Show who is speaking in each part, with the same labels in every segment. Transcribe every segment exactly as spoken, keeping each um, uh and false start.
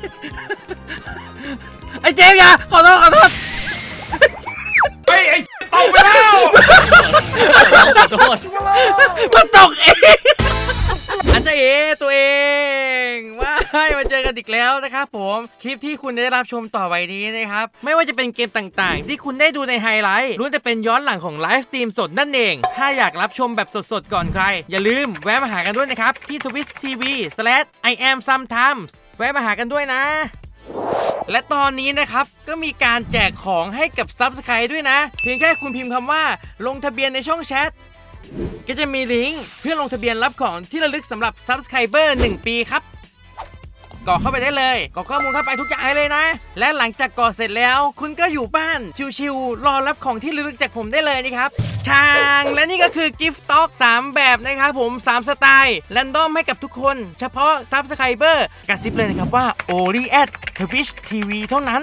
Speaker 1: ไอ้เจมส์อย่าขอโทษขอโทษ
Speaker 2: เฮ้ยไอ้ตกไปแล้ว
Speaker 3: ขอโทษ
Speaker 1: มันตกเองอันเจเอตัวเองว้ายมาเจอกันอีกแล้วนะครับผมคลิปที่คุณได้รับชมต่อไปนี้นะครับไม่ว่าจะเป็นเกมต่างๆที่คุณได้ดูในไฮไลท์ล้วนแต่เป็นย้อนหลังของไลฟ์สตรีมสดนั่นเองถ้าอยากรับชมแบบสดๆก่อนใครอย่าลืมแวะมาหากันด้วยนะครับที่ ทวิตช์ ที วี สแลช ไอ แอม ซัมไทมส์ แวะมาหากันด้วยนะและตอนนี้นะครับก็มีการแจกของให้กับ ซับสไครบ์ ด้วยนะเพียงแค่คุณพิมพ์คำว่าลงทะเบียนในช่องแชทก็จะมีลิงก์เพื่อลงทะเบียนรับของที่ระลึกสำหรับ ซับสไครเบอร์ หนึ่ง ปีครับกรอกเข้าไปได้เลยกรอกข้อมูลเข้าไปทุกอย่างเลยนะและหลังจากกรอกเสร็จแล้วคุณก็อยู่บ้านชิวๆรอรับของที่ระลึกจากผมได้เลยนะครับช่างและนี่ก็คือกิฟต์ต็อกสามแบบนะครับผมสามสไตล์แรนดอมให้กับทุกคนเฉพาะ ซับสไครเบอร์ กระซิบเลยนะครับว่า only at ทวิช ที วี เท่านั้น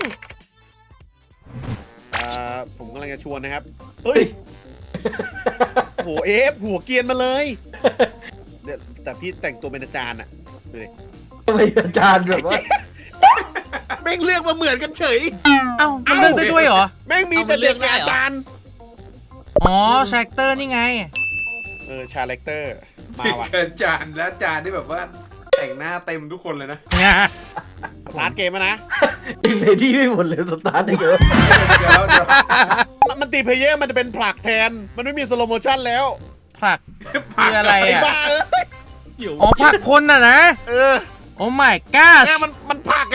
Speaker 4: อ่าผมกำลังจะชวนนะครับเฮ้ยโหเอฟหัวเกรียนมาเลยเดี๋ยวแต่พี่แต่งตัวเป็นอาจารย์อะดูดิ
Speaker 5: ทำไมอาจารย์แบบว่า
Speaker 4: แม่งเลือกมาเหมือนกันเฉย
Speaker 1: เอ้ามันเลือกได้ด้วยเหรอ
Speaker 4: แม่งมีแต่เด็กเป็นอาจารย์
Speaker 1: อ๋อแชคเตอร์นี่ไง
Speaker 4: เออชาเลคเตอร์มาว่ะ
Speaker 2: เกินจานแล้วจานที่แบบว่าแต่งหน้าเต็มทุกคนเลยนะ
Speaker 4: สตาร์ทเกมแล้วนะ
Speaker 5: ยิงในที่ไม่หมดเลยสตาร์ทได้เยอะ
Speaker 2: เดี๋ยวเดี๋ยว
Speaker 4: มันมันตีเพลเยอร์มันจะเป็นผลักแทนมันไม่มีสโลโมชั่นแล้ว
Speaker 1: ผลักคืออะไร
Speaker 4: ไอ้
Speaker 1: อ่ะ
Speaker 4: บ้าเอ้ย
Speaker 1: อ๋อผลักคนน่ะนะ
Speaker 4: เออ
Speaker 1: โอ้ my god
Speaker 4: เนี่ยมันมันผลักอะ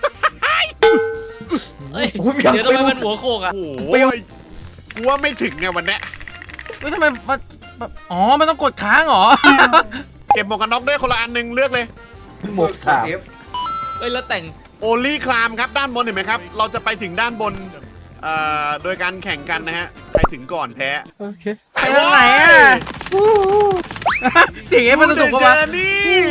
Speaker 3: เฮ้ยเดี๋ยวทำไมมันหัวโขกอ่ะ
Speaker 4: โอ้โหกูว่าไม่ถึงไงวันเนี้ย
Speaker 1: เฮ้ยทำไมมันมันอ๋อ มันต้องกดค้างเหรอ
Speaker 4: เก็บหมวกกันน็อกด้วยคนละอันหนึ่งเลือกเลย
Speaker 5: หมวกสาม
Speaker 2: เอฟ
Speaker 3: เฮ้ยแล้วแต่ง
Speaker 4: โอลี่คลามครับด้านบนเห็นไหมครับ เราจะไปถึงด้านบนเอ่อโดยการแข่งกันนะฮะใครถึงก่อนแพ้
Speaker 5: โอเค
Speaker 1: ไปทางไหนอ่ะ เสียงเอฟมันสนุกปะวะ
Speaker 4: นี่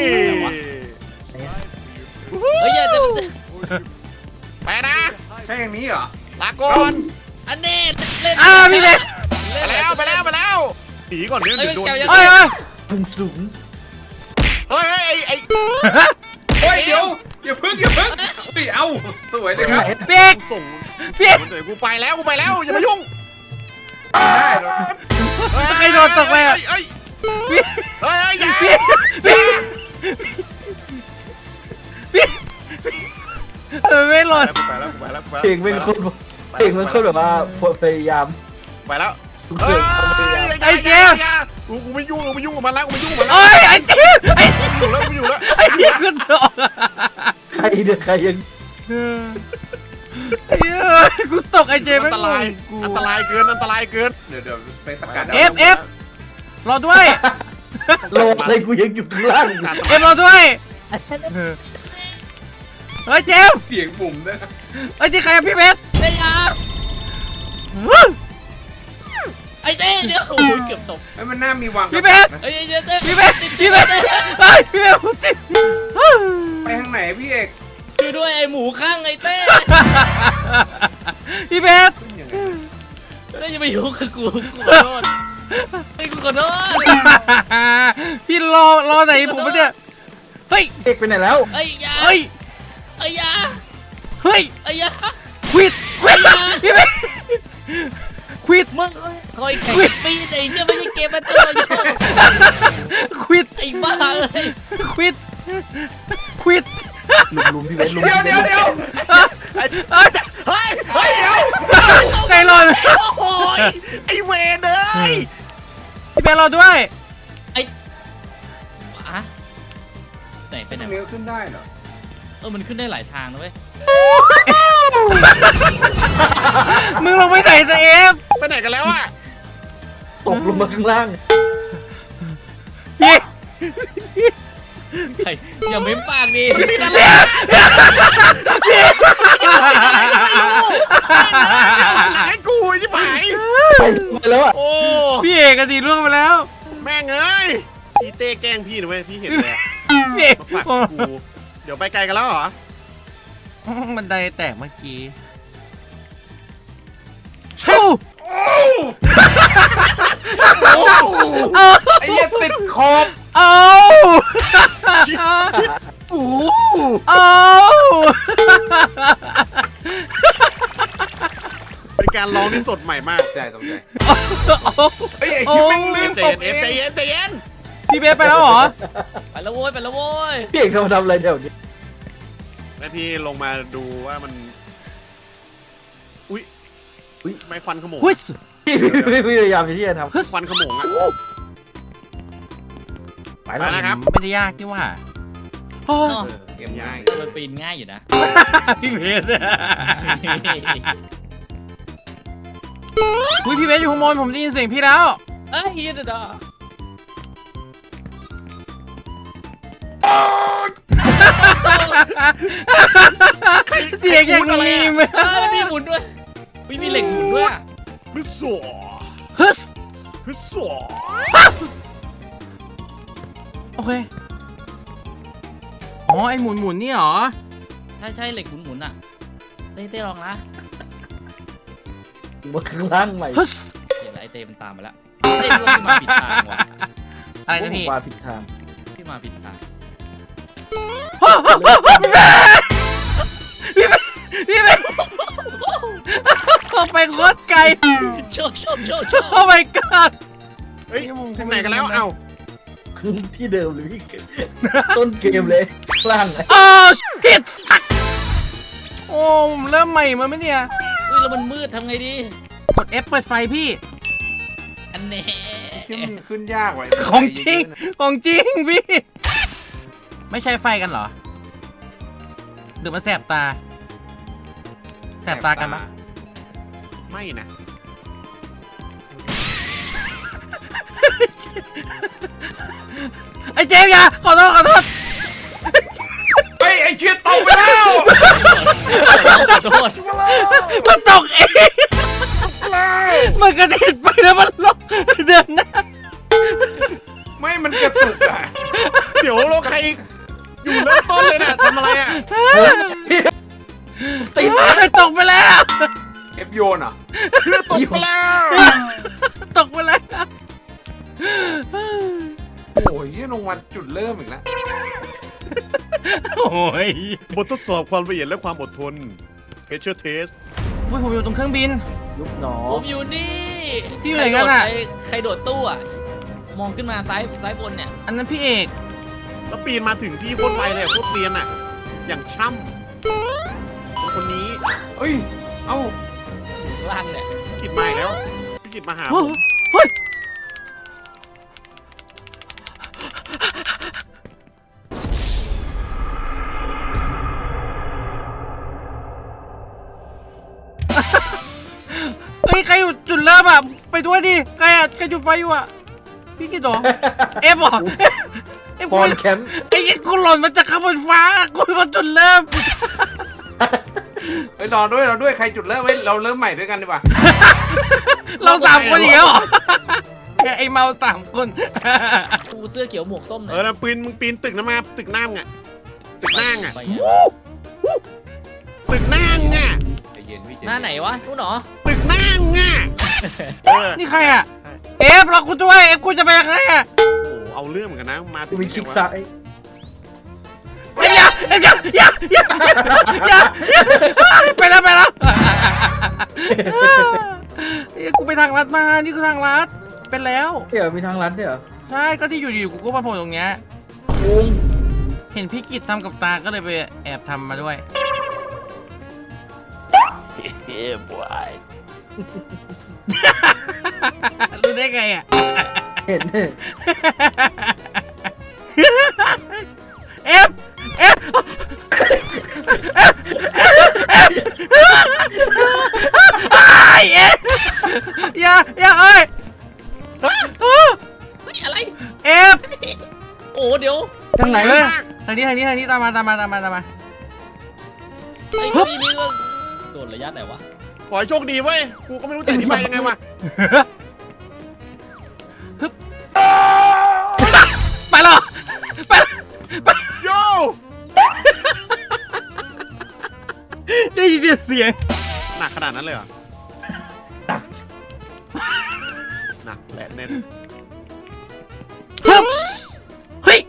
Speaker 3: เฮ้ยอย่าจะ
Speaker 4: ไปนะ
Speaker 2: ใช่อย่างนี้เหรอ
Speaker 4: ลาก่อน
Speaker 3: อันนี้เล่น
Speaker 1: อ่าพี่เบส
Speaker 4: ไปแล้วไปแล้วไปแล้วหนีก่อนเดี๋ยวเดี๋ยวโดน
Speaker 1: เอ้ยเอ้ย
Speaker 5: พึ่งสูง
Speaker 4: เฮ้ยเฮ้ยไอ้ไอ้
Speaker 2: เฮ้ยเดี๋ยวอย่าพึ่งอย่าพึ่งเฮ้ยเอาสวยเลยครับ
Speaker 1: เปียก
Speaker 4: ส่ง
Speaker 1: เปียก
Speaker 4: เดี๋ยวกูไปแล้วกูไปแล้วอย่ามายุ่ง
Speaker 2: ได้เหรอ
Speaker 1: ใครโดนตกไปอ่ะ
Speaker 4: เฮ้ย
Speaker 1: เปียก
Speaker 4: เฮ้ยเฮ้ยอย่า
Speaker 1: เปียกเปียกเปียกเออไม่หล่น
Speaker 4: กูไปแล้วกูไปแล้วกูไปแล้ว
Speaker 5: เพลงเป็นคนเพลงมันคนแบบว่าพยายาม
Speaker 4: ไปแล้ว
Speaker 5: ทุกเสียงความพยายาม
Speaker 1: ไอ้เจมส์
Speaker 4: กูกูไม่ยุ่งกูไม่ยุ่งกับมันแล้วกูไม่ยุ่งกับมันแล้ว
Speaker 1: โอ้ยไอ้เจมส์ไอ้
Speaker 4: กูอยู่แล้วกูอยู่แล้ว
Speaker 1: ไอ้เจมส์ขึ้นตก
Speaker 5: ใครเดือใครยัง
Speaker 1: ไอ้เหี้ยกูตกไอ้เจมส์
Speaker 4: อั
Speaker 1: ไม่
Speaker 4: นตราย
Speaker 1: กู
Speaker 4: อันตรายเกินอันตรายเกิน
Speaker 2: เดี๋ยวเดี๋ยวไปสกัด
Speaker 1: เอฟเอฟรอด้วย
Speaker 5: โลอะไรกูยังอยู่ข้างล่าง
Speaker 1: เอฟรอด้วยเฮ้ยเจมส์
Speaker 2: เสียงปุ่มด้วยนะ
Speaker 1: เฮ้ยที่ใครอะพี่เบส
Speaker 3: เล่นยาไอ้เต้เดี๋ยวโอ้ยเกือบตก
Speaker 2: เฮ้ยมันน่ามีวาง
Speaker 1: พี่เบส
Speaker 3: เฮ้ยเดี๋ยวเต้
Speaker 1: พี่เบสพี่เบสเฮ้ยพี่เบสผมติด
Speaker 2: ไปทางไหนพี่เอก
Speaker 3: ช่วยด้วยไอ้หมูข้างไอ้เต้
Speaker 1: พี่เบส
Speaker 2: ขึ้นยังไง
Speaker 3: เต้อย่าไปยุ่งกับกูกูขอโทษไอ้กูขอโทษ
Speaker 1: พี่รอรอไหนผมปะเนี่ยเฮ้ย
Speaker 5: เอกไปไหนแล้ว
Speaker 3: ไอ้ยา
Speaker 1: เฮ้ย
Speaker 3: ไอ้ยา
Speaker 1: เฮ้ย
Speaker 3: ไอ้ยา
Speaker 1: ควิดควิดพี่เบสควิด
Speaker 3: มึงคอยแข่งปีนไอ้เจ้าไม่ใช่เกมมาตัวโย
Speaker 1: ควิด
Speaker 3: ไอ้บ้าเลย
Speaker 1: ควิดควิด
Speaker 5: ลุมลุมพี่เบสลุม
Speaker 2: เดี๋ยวเดี๋ยวเดี๋ยว
Speaker 4: ไอ้
Speaker 1: เฮ้ย
Speaker 4: เฮ้ยเฮ้ยเดี๋ยว
Speaker 1: ใครรอ
Speaker 4: โอ้ยไอ้เวรเอ้ย
Speaker 1: พี่เบสรอด้วย
Speaker 3: อะไหนเป็นไหน
Speaker 2: เลี้ยวขึ้นได้เหรอ
Speaker 3: เออมันขึ้นได้หลายทางนะเว้ย
Speaker 1: มึงลงไปไหนจะเอฟ
Speaker 4: ไปไหนกันแล้วอะ
Speaker 5: ตกลงมาข้างล่าง
Speaker 1: พี่
Speaker 3: ใครอย่าเม้มปากดิ
Speaker 4: ติดอะไรให้กูใช่ไหม
Speaker 5: ไปแล้วอ่ะ
Speaker 4: โอ้
Speaker 1: พี่เอกกันดีล่วงไปแล้ว
Speaker 4: แม่งเอ้ยพี่เต้แกล้งพี่นะเว้ยพี่เห็นเลยอะ
Speaker 1: พี่เอก
Speaker 4: มาผลักกูเดี๋ยวไปไกลกันแล้วเหรอ
Speaker 1: บันไดแตกเมื่อกี้ชู้
Speaker 4: โอ้
Speaker 1: เอา
Speaker 2: ไอ้เหี้ยติดขอบ
Speaker 1: เอา
Speaker 4: ชิดชิดอู้
Speaker 1: เอา
Speaker 4: การร้องที่สดใหม่มาก
Speaker 2: ใจตกใจ
Speaker 1: โอ้
Speaker 2: เฮ้ยไอ้คิดแม่งลื่น
Speaker 4: ใจ
Speaker 2: ตก
Speaker 4: เย็น
Speaker 2: เอ
Speaker 4: เอฟใจ
Speaker 2: ง
Speaker 4: เย็นใจเย็น
Speaker 1: พี่เบสไปแล้วเหรอ
Speaker 3: ไปแล้วโว้ยไปแล้วโว้ย
Speaker 5: พี่เอกเขามาทำอะไรแถวนี้
Speaker 4: แม่พี่ลงมาดูว่ามันอุ้ยอุ้ยไม่ควันขโมง
Speaker 1: ฮึส
Speaker 5: พี่พี่พี่พยายามที่จะทำ
Speaker 1: ฮึส
Speaker 4: ควันขโมงอ่ะ
Speaker 5: ไป
Speaker 4: ไป
Speaker 5: แล้ว
Speaker 4: นะครับ
Speaker 1: ไม่ได้ยากที่ว่าโอ้ย
Speaker 3: เนาะ
Speaker 2: เออเกมง่าย
Speaker 3: มันปีนง่ายอยู่นะ
Speaker 1: พี่เบสอุ้ยพี่เบสอยู่ข้างบนผมได้ยินเสียงพี่แล้ว
Speaker 3: เอ้ยเดี๋ยว
Speaker 1: เสียงอย่างนี้ม
Speaker 3: เออมันมีหมุนด้วยมีมีเหล็กหมุนด้วยอะ
Speaker 4: ฮึสโซ
Speaker 1: ฮึส
Speaker 4: ฮึสโซ
Speaker 1: โอเคอ๋อไอหมุนหมุนนี่เหรอ
Speaker 3: ใช่ใช่เหล็กหมุนหมุนอ่ะเต้เต้ลองนะ
Speaker 5: มาข้างล่างใหม่
Speaker 1: ฮึส
Speaker 3: เดี๋ยวไอเต้มันตามมาแล้วเต้รู้ว่าพี่มาผิดทางว่ะ
Speaker 1: อะไรนะพี่
Speaker 5: มาผิดทาง
Speaker 3: พี่มาผิดทาง
Speaker 1: พี่เบสพี่เบสไปโคตรไกล
Speaker 3: โชว์โชว์โชว์โชว์
Speaker 1: โอ้ my god
Speaker 4: เฮ้ยถึงไหนกันแล้วเอ้า
Speaker 5: ที่เดิมเลยพี่ต้นเกมเลยข้างล่างเลย
Speaker 1: โอ้ shit โอ้ผมเริ่มใหม่มาไหมเนี่ย
Speaker 3: อุ้ยแล้วมันมืดทำไงดี
Speaker 1: กด F เปิดไฟพี่
Speaker 3: อันเน่
Speaker 2: ขึ้นขึ้นยากไว้
Speaker 1: ของจริง ของจริงพี่ ไม่ใช่ไฟกันเหรอหรือมันแสบตา แสบตากันปะ
Speaker 4: ไม่นะ
Speaker 1: ไอ้เจมส์อย่าขอโทษขอโทษ
Speaker 2: เฮ้ยไอ้เชี่ยตกไปแล้ว
Speaker 3: ขอโทษ
Speaker 1: มันตกเองมันกระเด็นไปแล้วมันลงเดินหน้า
Speaker 2: ไม่มันกระตุกอ่ะ
Speaker 4: เดี๋ยวเราใครอยู่เริ่มต้นเลยน่ะทำอะไรอ่ะ
Speaker 5: ติด
Speaker 1: ตกไปแล้ว
Speaker 2: เอฟโยนเหรอ่ะ
Speaker 4: เพื่อตกไปแล้ว
Speaker 1: ตกไปแล้ว
Speaker 2: โอ้ยลงมาจุดเริ่มอีกแล้ว
Speaker 1: โอ้ย
Speaker 4: บททดสอบความละเอียดและความอดทน Pressure Test
Speaker 1: อุ้ยผมอยู่ตรงเครื่องบิน
Speaker 5: ยุบหนอ
Speaker 3: ผมอยู่นี่
Speaker 1: พี่อยู่ไหนกันอะ
Speaker 3: ใครโดดใครโดดตู้อ่ะมองขึ้นมาซ้ายซ้ายบนเนี่ย
Speaker 1: อันนั้นพี่เอก
Speaker 4: แล้วปีนมาถึงพี่โคตรไวเลยโคตรเรียนอ่ะ อย่างช่ำคนนี้
Speaker 2: เฮ้ยเอ้า
Speaker 3: ล่างเนี่ย
Speaker 4: พี่กิจมาอีกแล้วพี่กิจมาหาผ
Speaker 1: เฮ้ย
Speaker 4: ม
Speaker 1: เฮ้ยเฮ้ยใครอยู่จุดเริ่มอ่ะไปด้วยดิใครอ่ะใครจุดไฟอยู่อ่ะพี่กิจเหรอเอฟเหรอเอฟ
Speaker 5: บอลแคมป์
Speaker 1: ไอ้ยี่กูหล่นมาจากข้างบนฟ้ากูมาจุดเริ่ม
Speaker 2: เฮ้ยรอด้วยรอด้วยใครจุดเริ่มไว้เราเริ่มใหม่ด้วยกันดีกว่า
Speaker 1: เราสามคนอีกแล้วเหรอไอ้เมาสามคน
Speaker 3: กูเสื้อเขียวหมวกส้มเนี่
Speaker 4: เออนะปีนมึงปีนตึกนะมาตึกน้ำไงตึกนั่งอ่ะ
Speaker 3: ไป
Speaker 4: ตึกนั่งอ่ะ
Speaker 2: ใจเย็นพี่ใจ
Speaker 3: หน้าไหนวะนู่นเหรอ
Speaker 4: ตึกนั่งอ่ะเออ
Speaker 1: นี่ใครอ่ะเอฟเรากูด้วยเอฟกูจะไปยังไงอ่ะ
Speaker 4: โอ้โหเอาเรื่องเหมือนกันนะมาถึง
Speaker 5: มีคลิกซ้าย
Speaker 1: เอฟอย่าเอฟอย่าอย่าอย่าอย่าไปแล้วไปแล้วเอ้ยกูไปทางลัดมานี่คือทางลัดเป็นแล้ว
Speaker 5: เดี๋ยวมีทางลัดด้วยเหรอ
Speaker 1: ใช่ก็ที่อยู่ดีๆกูก็มาโผล่ตรงเนี้ย
Speaker 5: งง
Speaker 1: เห็นพี่กิจทำกับตาก็เลยไปแอบทำมาด้วยรู้ได้ไงอ่ะ
Speaker 5: เห็นเนี่ย
Speaker 1: เอฟเอฟไอเอฟอย่าอย่าเอ้ย
Speaker 3: เฮ้ยอะไร
Speaker 1: เอฟ
Speaker 3: โอ้เดี๋ยว
Speaker 5: ทางไหน
Speaker 1: เฮ้ย
Speaker 5: วะ
Speaker 1: ทางนี้ทางนี้ทางนี้ตามมาตามมาตามมาตามมา
Speaker 3: ไอ้ที่นี่ก็โดดระยะไหนวะ
Speaker 4: ขอให้โชคดีเว้ยกูก็ไม่รู้จะอธิบายยังไงวะ
Speaker 1: ไปหรอไปไป
Speaker 4: โย
Speaker 1: ได้ยินเสียง
Speaker 4: หนักขนาดนั้นเลยเหรอหนักและแน่น
Speaker 1: ฮึบเฮ้ย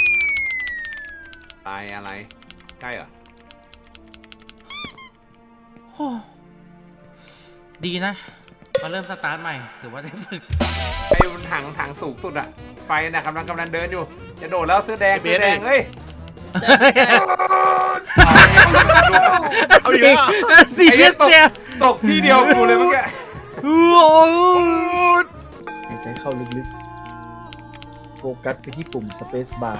Speaker 2: ตายอะไรใกล้เหรอ
Speaker 1: โอ้ดีนะมาเริ่มสตาร์ทใหม่ถือว่าได้ฝึก
Speaker 2: ไอ้บนถังถังสูงสุดอะไฟน่ะกำลังกำลังเดินอยู่จะโดดแล้วเสื้อแดงเสื้อแดงเฮ้ย
Speaker 4: เอาอีกแล้ว
Speaker 1: สี
Speaker 2: ไอ้
Speaker 1: เรีย
Speaker 2: เนี่ย
Speaker 1: ส
Speaker 2: ตก
Speaker 1: เซีย
Speaker 2: ตกที่เดียวกูเลยเมื่อกี้
Speaker 1: โอ้โห
Speaker 5: หายใจเข้าลึกๆ โฟกัสไปที่ปุ่ม Space Bar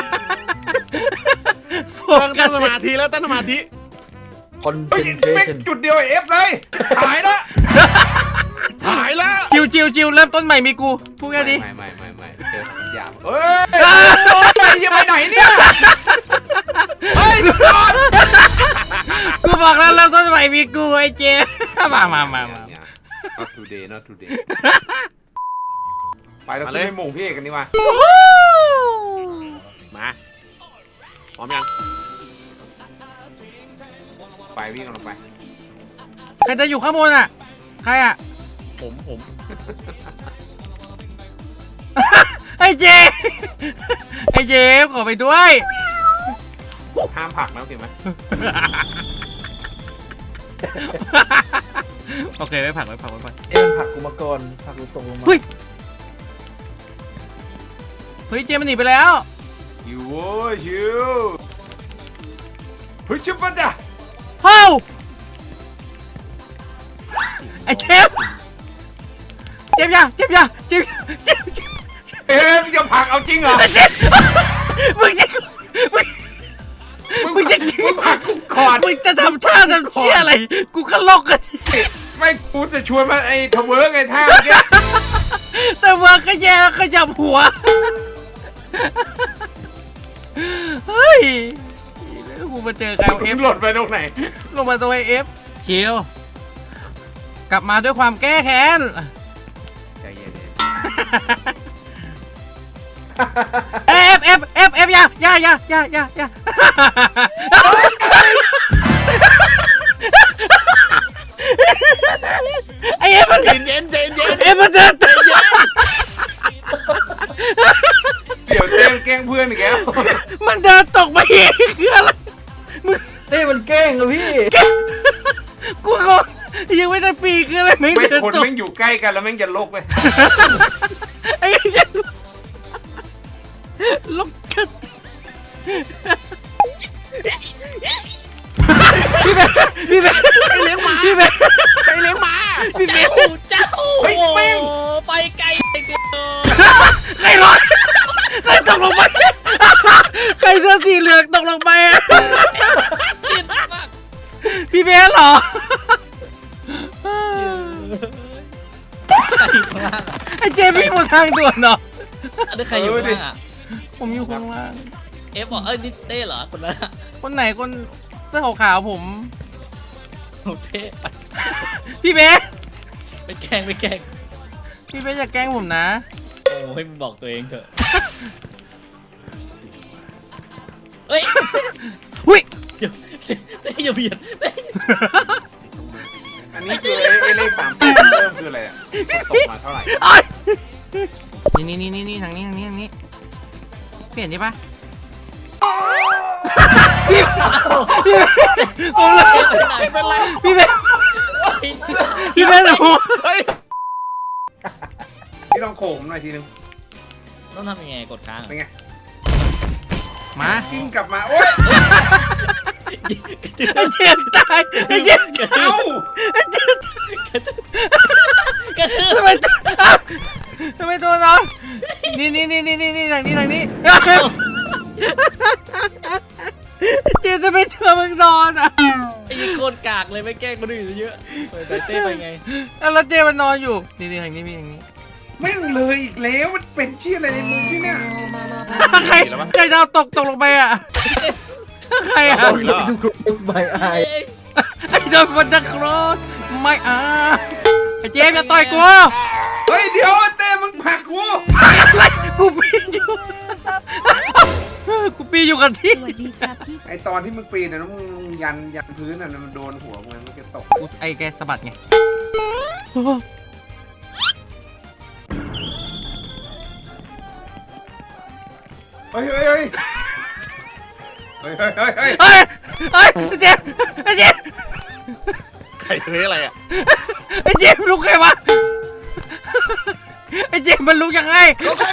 Speaker 1: โฟ
Speaker 4: ตั้ง
Speaker 1: กั
Speaker 4: ตั้
Speaker 1: ส
Speaker 4: งสมาธิแล้วตั้งสมาธิ
Speaker 2: เฮ้ยเป็น
Speaker 5: Concentration
Speaker 2: จุดเดียวไอ้เอฟเลยหายละ
Speaker 4: หายแล้ว
Speaker 1: จิวจิวจิวเริ่มต้นใหม่มีกูพูดแค่นี้
Speaker 2: ไม่ไม่ไม่ไม่เจอสัญญาณเฮ้ยไปยังไปไหนเนี่ยเฮ้ยจอด
Speaker 1: กูบอกแล้วเริ่มต้นใหม่มีกูไอ้เจมามามามา
Speaker 2: not today not today ไปแล้วขึ้นไปหมู่พี่เอกกันดีกว่า
Speaker 4: มาพร้อมยัง
Speaker 2: ไปวิ่งกันลงไป
Speaker 1: ใครจะอยู่ข้างบนอ่ะใครอ่ะ
Speaker 3: ผมผม
Speaker 1: ไอ้เจไอ้เจขอไปด้วย
Speaker 2: ห้ามผลักนะโอเคไหม
Speaker 1: โอเคไม่ผักไม่ผักไม่ผัก
Speaker 5: เอ็มนผลักกูมาก่อนผลักกูตกลงมา
Speaker 1: เฮ้ยเฮ้ยเจมันหนีไปแล้ว
Speaker 2: อยู่โว้ยชิวเฮ้ยชิบปะจ้ะ
Speaker 1: เฮ้าไอ้เจมเจมยาเจมยาเจมเจมเจม
Speaker 2: เอ๊ะมึงจะผลักเอาจริงเหรอ
Speaker 1: เจมมึงจะมึง
Speaker 2: มึง
Speaker 1: มึงจะ
Speaker 2: มึงผลักกูก่อน
Speaker 1: มึงจะทำท่าทำเชี่ยอะไร กูก็ลอกกัน
Speaker 2: ไม่กูจะชวนมาไอ้ทเวิร์กไอ้ท่าเมื่อกี้
Speaker 1: แต่ว่าก็แย่แล้วก็จับหัว เฮ้ยแล้วกูมาเจอใครเอ
Speaker 2: มึ
Speaker 1: ฟ
Speaker 2: งหล่นไปตรงไหน
Speaker 1: ลงมาตัวเอฟคิวกลับมาด้วยความแก้แค้น
Speaker 2: ใจเย็น
Speaker 1: เอฟเอฟเอฟเอฟอย่าอย่าอย่าอย่าอย่าอย่าไอเอฟมัน
Speaker 4: เย็นเย็นเย็นเย็น
Speaker 1: เอฟมันเดินตาม
Speaker 2: ๆเดี๋ยวเต้นแกล้งเพื่อนอีกแล้ว
Speaker 1: มันเดินตกไปเองคืออะไร
Speaker 5: เต้มันแกล้งเหรอพี่
Speaker 1: กูงงยังไม่ได้ปีคืออะไรไม่
Speaker 2: ไม่
Speaker 1: เดิน
Speaker 2: คน
Speaker 1: ตก
Speaker 2: แม่งอยู่ใกล้กันแล้วแม่งจะลกไป
Speaker 1: ไอ้เหี้ยลกกันพี่เบนพี่เบน
Speaker 4: ใครเลี้ยงหมา
Speaker 1: พี่เบน
Speaker 4: ใครเลี้ยงหมา
Speaker 1: พี่เบน
Speaker 3: เจ้า
Speaker 2: เฮ้ยแม่ง
Speaker 3: ไปไกลไปเกิน
Speaker 1: ใครร้อนใครตกลงไปใครเสื้อสีเหลืองตกลงไปอะ
Speaker 3: จิตมาก
Speaker 1: พี่เบนเหรอไอ้เจมี่บนทางด่วนเนาะ
Speaker 3: อันนี้ใครอยู่ข้างล่างอ่ะ
Speaker 1: ผมอยู่ข้างล่าง
Speaker 3: เอฟบอกเอ้ยนี่เต้เหรอคนนั้นอะ
Speaker 1: คนไหนคนเสื้อขาวๆผม
Speaker 3: โอ้เต้ไป
Speaker 1: พี่เบน
Speaker 3: ไปแกล้งไปแกล้ง
Speaker 1: พี่เบนอย่าแกล้งผมนะ
Speaker 3: โอ้ยมึงบอกตัวเองเถอะเฮ้ย
Speaker 1: หุ้ย
Speaker 3: เดี๋ยวเต้อย่าเบียดเต้
Speaker 2: อันนี้คือไอ้ไอ้เลขสามแปดเริ่มคืออะไรอ่ะตกมาเท่าไหร่
Speaker 1: ไอ้นี่นี่นี่นี่ทางนี้ทางนี้ทางนี้เปลี่ยนดีปะพี่พี่ผมเลย
Speaker 3: เป็นไร
Speaker 1: พี่เบนพี่เบนผม
Speaker 4: เฮ้ย
Speaker 2: พี่ลองโขมหน่อยทีนึง
Speaker 3: ต้องทำยังไงกดค้าง
Speaker 2: เป็นไง
Speaker 1: มา
Speaker 2: กิ้งกลับมาโอ๊ย
Speaker 1: ไอ้เจ็บตายไอ้เจ็บ
Speaker 2: เอ้า
Speaker 1: ไอ้เจ็บ
Speaker 3: กระทืบ
Speaker 1: ทำไมอ้าวทำไมตัวน้องนี่นี่นี่นี่นี่ทางนี้ทางนี้เจ็บจะไปเจอมึงนอนอ่ะ
Speaker 3: ไอ้โคตรกากเลยไม่แกล้งคนอื่นเยอะไปไปเต้ไปไง
Speaker 1: แล้วเจมันนอนอยู่นี่นี่ทางนี้มีทางนี้
Speaker 2: แม่งเลยอีกแล้วมันเป็นเชี่ยอะไรในมือที่เนี่ย
Speaker 1: ใครใครดาวตกตกลงไปอ่ะใครอ่ะ
Speaker 4: เอาอีกแล้ว
Speaker 5: ดู close my eye
Speaker 1: ไอ้โดนมันดักรถไม่อ่ะไอ้เจมอย่าต่อยกู
Speaker 2: เฮ้ยเดี๋ยวเต้มึงผลักกู
Speaker 1: อะไรกูปีนอยู่กูปีนอยู่กับที่
Speaker 6: สวัสดีครับพี่
Speaker 2: ไอตอนที่มึงปีนน่ะแล้วมึงยันยันพื้นน่ะมันโดนหัวมึงมันจะตก
Speaker 1: กูไอ้แกสะบัดไง
Speaker 2: เฮ้ยเฮ้ยเฮ้ยเฮ้ยเฮ้ยเฮ้ยเฮ้ย
Speaker 1: เฮ้ยเฮ้ยไอ้เจมไอ้เจม
Speaker 4: ใครเลี้ยงอะไรอ่ะ
Speaker 1: ไอ้เจมส์ลุกไงวะไอ้เจมส์มันลุกยังไง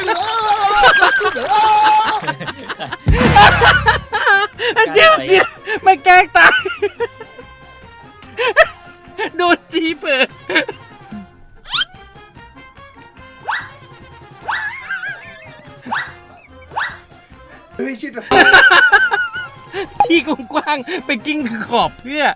Speaker 1: ไอ้เจมส์เจมส์ไม่แกล้งตายโดนจีเปิด
Speaker 2: เฮ้ยชิด
Speaker 1: ที่กว้างๆไปกิ้งขอบเพื่อ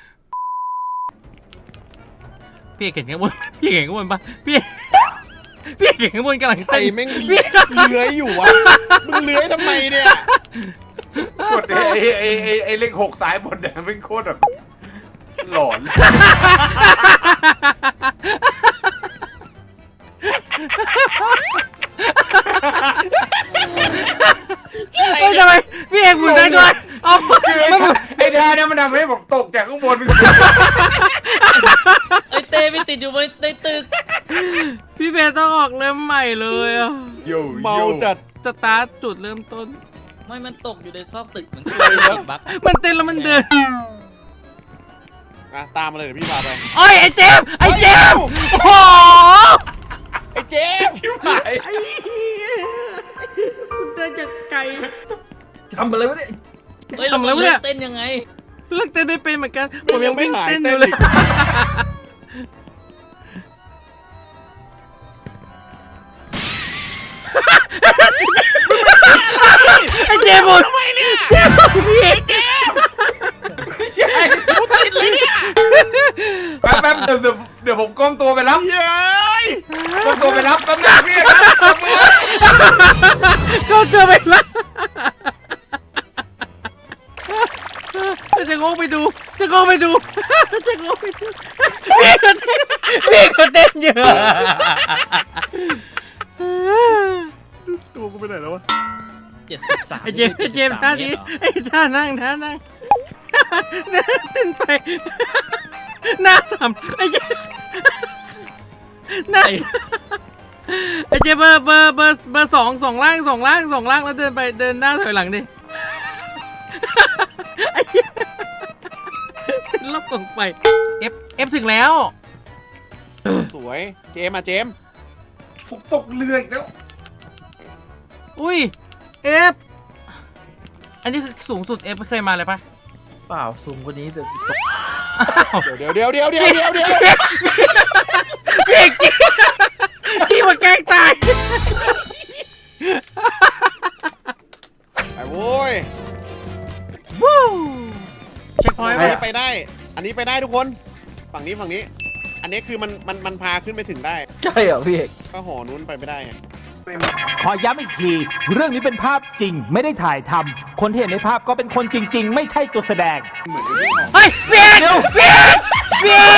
Speaker 1: พี่เก่งข้างบนพี่เก่งข้างบนปะพี่พี่เก่งข้างบนกำลัง
Speaker 4: ใคร
Speaker 1: เต้น
Speaker 4: แม่งเลื้อยอยู่วะมึงเลื้อยทำไมเนี่ย
Speaker 2: กดไอ้ไอ้ไอ้ไอ้เลขหกซ้ายบนเนี่ยเป็นโคตรแบบหลอน
Speaker 1: เฮ้ยทำไมพี่เอกหมุนได้ด้วยเอา
Speaker 2: คือไอ้ไอ้ท่าเนี่ยมันทำให้ผมตกจากข้างบน
Speaker 3: ไอ้เต้ไม่ติดอยู่บนในตึก
Speaker 1: พี่เบสต้องออกเริ่มใหม่เลยอ่ะ
Speaker 2: โย
Speaker 4: เมาจัด
Speaker 1: สตาร์ทจุดเริ่มต้น
Speaker 3: ไม่มันตกอยู่ในซอกตึกเหมือนกันติดบั๊ก
Speaker 1: มันเต้นแล้วมันเดิน
Speaker 4: อ่ะตามมาเลยเดี๋ยวพี่พาไป
Speaker 1: โอ้ยไอ้เจมส์ไอ้เจมส์โอ้โห
Speaker 4: ไอ้เจมส์
Speaker 2: ชิบหาย
Speaker 1: ไอ้เหี้ยคุณเดินจากไกล
Speaker 5: ทำอะไรวะเนี่ย
Speaker 3: เฮ้ยเรา
Speaker 1: ทำอะไรวะเนี่ย
Speaker 3: เต้นยังไง
Speaker 1: เลิกเต้นไม่เป็นเหมือนกันผมยังวิ่งเต้นอยู่เลย ไอ้เจมส์หมดทำไมเนี่ยเจมส์พี่เจมส์
Speaker 4: กูติดเลยเนี่ย
Speaker 2: แป๊บแป๊บเดี๋ยวเดี๋ยวเดี๋ยวผมก้มตัวไปรับ
Speaker 4: เย้ย
Speaker 2: ก้มตัวไปรับแป๊บนึงพี่ครับจับมือ
Speaker 1: ก็เจอไปแล้วจะงงไปดูจะงงไปดูจะงงไปดูพี่ก็เต้นพี่ก็เต้นเยอะ
Speaker 4: ตัวกูไปไหนแล้ววะ
Speaker 3: เจ็ดสิบสาม
Speaker 1: ไอ้เจมส์ไอ้เจมส์ท่านี้ไอ้ท่านั่งท่านั่งเต้นไปหน้าสามไอ้เจมส์หน้าไอ้เจมส์เบอร์เบอร์เบอร์เบอร์สองสองล่างสองล่างสองล่างแล้วเดินไปเดินหน้าถอยหลังดิไอ้เหี้ยเป็นรอบกองไฟเอฟเอฟถึงแล้ว
Speaker 4: สวยเจมส์อ่ะเจมส์
Speaker 2: ผมตกเรืออีกแล้ว
Speaker 1: อุ้ยเอฟอันนี้คือสูงสุดเอฟเคยมาเลยปะ
Speaker 5: เปล่าสูงกว่านี้แต่ตก
Speaker 4: เดี๋ยวเดี๋ยวเดี๋ยวเดี๋ยวเดี๋ยวเดี๋ยว
Speaker 1: พี่เอกจี้จี้มาแกล้งตาย
Speaker 4: ไปโว้ย
Speaker 1: วู้เช็คพอยต์
Speaker 4: อัน
Speaker 1: ไป
Speaker 4: นี้ไปได้ อันนี้ไปได้ทุกคน ฝั่งนี้ฝั่งนี้ อันนี้คือมันมันมันพาขึ้นไปถึงได้
Speaker 5: ใช่เหรอพี่เอก
Speaker 4: ก็หอนู้นไปไม่ได้ไง
Speaker 6: ขอย้ำอีกที เรื่องนี้เป็นภาพจริงไม่ได้ถ่ายทำคนที่เห็นในภาพก็เป็นคนจริง ๆ ไม่ใช่ตัวแสดง
Speaker 1: เฮ้ยพี่เอกพี่เอกพี่เอก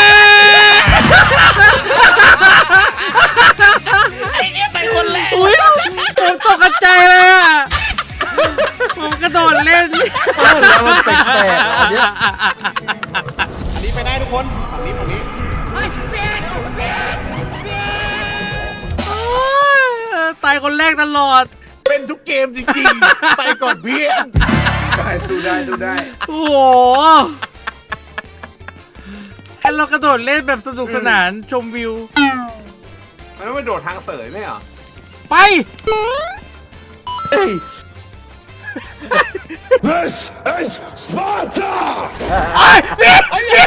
Speaker 1: ไอ้เนี่ยไปคนแรกอุ้ยผมตกใจเลยอ่ะผมกระโดดเล่น
Speaker 5: เออแล้วมันแปลกๆอันเนี้ย
Speaker 4: อันนี้ไปได้ทุกคน ฝั่งนี้ฝั่งนี้
Speaker 1: ตายคนแรกตลอด
Speaker 4: เป็นทุกเกมจริงๆ ไปก่อนเพี่อน
Speaker 2: ได้ดูได้ดูได้
Speaker 1: โอ้โหแค่เรากระโดดเล่นแบบสนุกสนานชมวิว
Speaker 2: มันต้องไปโดดทางเสยไหมเหรอ
Speaker 1: ไป
Speaker 5: เฮ้ย
Speaker 7: This is Sparta!
Speaker 1: ไอ้พี่พี่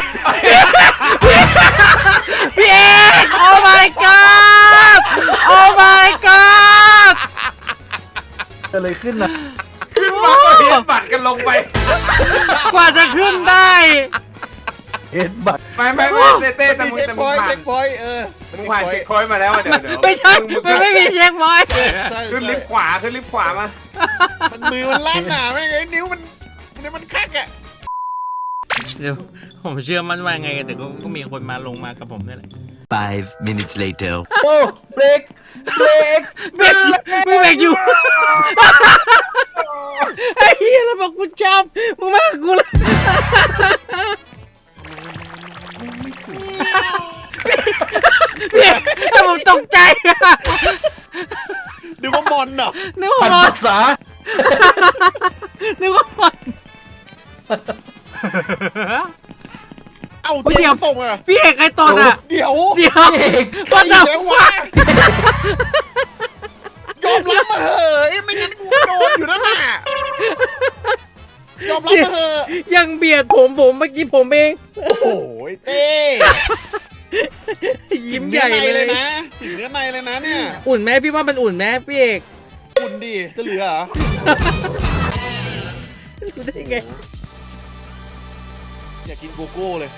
Speaker 1: พี่เอกโอ้ my god โอ้ my god
Speaker 5: เกิดอะไรขึ้นนะ
Speaker 2: ขึ้นมาก็เห็นบัตรกันลงไป
Speaker 1: กว่าจะขึ้นได้
Speaker 5: เห็นบัตร
Speaker 2: ไม่ไม่ไม่เต้เต้แต่
Speaker 4: มี
Speaker 2: มึง
Speaker 4: เช็ค
Speaker 2: แต่
Speaker 4: พ
Speaker 2: มึง
Speaker 4: อยต์
Speaker 2: ผ่า
Speaker 4: เช็
Speaker 2: น
Speaker 4: คพอยต์เออ
Speaker 2: มึงผ่านเช็คพอยต์มาแล้วอะเดี๋ยวเดี๋ยว
Speaker 1: ไม่ใช่ มันไม่มีเช็คบอย
Speaker 4: ใช่
Speaker 2: ขึ้นลิฟต์ขวาขึ้นลิฟต์ขวามา
Speaker 4: มันมือมันลั่นหนาแม่งไอ้นิ้วมันมันมันคักอ่ะ
Speaker 1: เดี๋ยวผมเชื่อมันว่าไงแต่ก็ก็มีคนมาลงมากับผมนี่แหละ
Speaker 8: Five minutes later.
Speaker 5: โอ้เบรกเบรก
Speaker 1: เบรกไม่เบรกอยู่ ไอ้เหี้ยแล้วบอกกูชอบมึงมากับกูเลยพี่ถ้าผมตกใจอะ
Speaker 4: ดูว่ามอนเหรอ
Speaker 1: นึกว่า
Speaker 5: พัน
Speaker 1: มอน
Speaker 5: ภาษา
Speaker 1: นึกว่ามอน
Speaker 4: เอ้า
Speaker 1: เฮ้ย
Speaker 4: เจ
Speaker 1: เดี๋ยว
Speaker 4: มส์ตกอ่ะ
Speaker 1: พี่เอกใครตดอ่ะ
Speaker 4: เดี๋ยว
Speaker 1: เดี๋ยว
Speaker 4: ใคร
Speaker 1: ว่าแต่
Speaker 4: เดี๋ยววะยอมรับมาเหอะไม่งั้นกูโดนอยู่นั่นน่ะยอมรับมาเหอะ
Speaker 1: ยังเบียดผมผมเมื่อกี้ผมเอง
Speaker 4: โอ้โหเต้
Speaker 1: ยิ้มใหญ่
Speaker 4: ถึงนื้อใน
Speaker 1: เลย
Speaker 4: นะถึงเนื้อในเลยนะเนี่ย
Speaker 1: อุ่นไหมพี่ว่ามันอุ่นไหมพี่เอก
Speaker 4: คุณดิจะเหลือเหรอ
Speaker 1: รู้ได้ไง
Speaker 4: อยากกินโกโก้เลย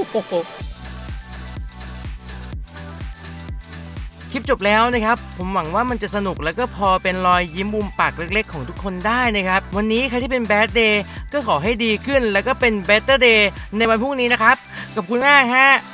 Speaker 1: คลิปจบแล้วนะครับผมหวังว่ามันจะสนุกแล้วก็พอเป็นรอยยิ้มมุมปากเล็กๆของทุกคนได้นะครับวันนี้ใครที่เป็นแบดเดย์ก็ขอให้ดีขึ้นแล้วก็เป็นเบเตอร์เดย์ในวันพรุ่งนี้นะครับขอบคุณมากฮะ